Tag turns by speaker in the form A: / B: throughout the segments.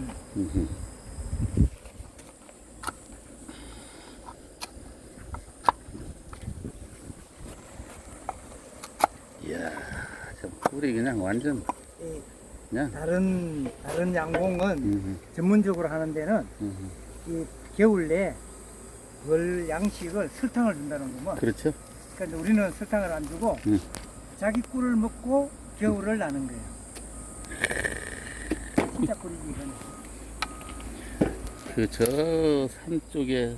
A: 음흠. 이야, 저 꿀이 그냥 완전
B: 이
A: 그냥.
B: 다른 양봉은
A: 음흠.
B: 전문적으로 하는 데는
A: 음흠.
B: 이 겨울 내 월 양식을 설탕을 준다는 거면,
A: 그렇죠.
B: 그러니까 우리는 설탕을 안 주고 자기 꿀을 먹고 겨울을 나는 거예요. 진짜 꿀이지 이건.
A: 그 저 산 쪽에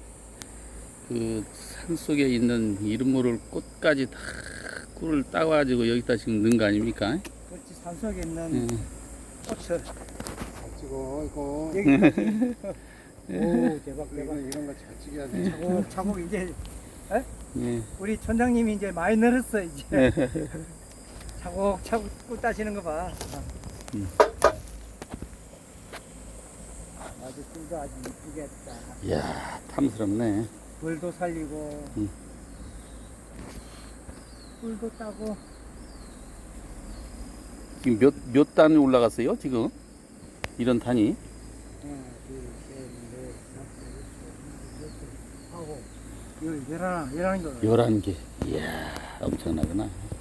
A: 그 산 속에 있는 이름 모를 꽃까지 다 꿀을 따가지고 여기다 지금 넣은 거 아닙니까?
B: 그렇지, 산속에 있는
A: 음.
B: 꽃을
C: 잘 찍어 이거.
B: 여기까지. 오, 대박 대박.
C: 이런 거 잘 찍어야 돼.
B: 차곡차곡 이제
A: 예.
B: 우리 촌장님이 이제 많이 늘었어 이제. 차곡차곡 꿀 따시는 거 봐. 아주 꿀도 아주 이쁘겠다.
A: 이야, 탐스럽네.
B: 벌도 살리고
A: 음.
B: 꿀도 따고.
A: 지금 몇 단이 올라갔어요, 지금? 이런 단이?
B: 하나, 둘, 셋, 넷, 다섯, 여섯, 일곱, 여덟, 아홉, 열, 11개.
A: 11개. 이야, 엄청나구나.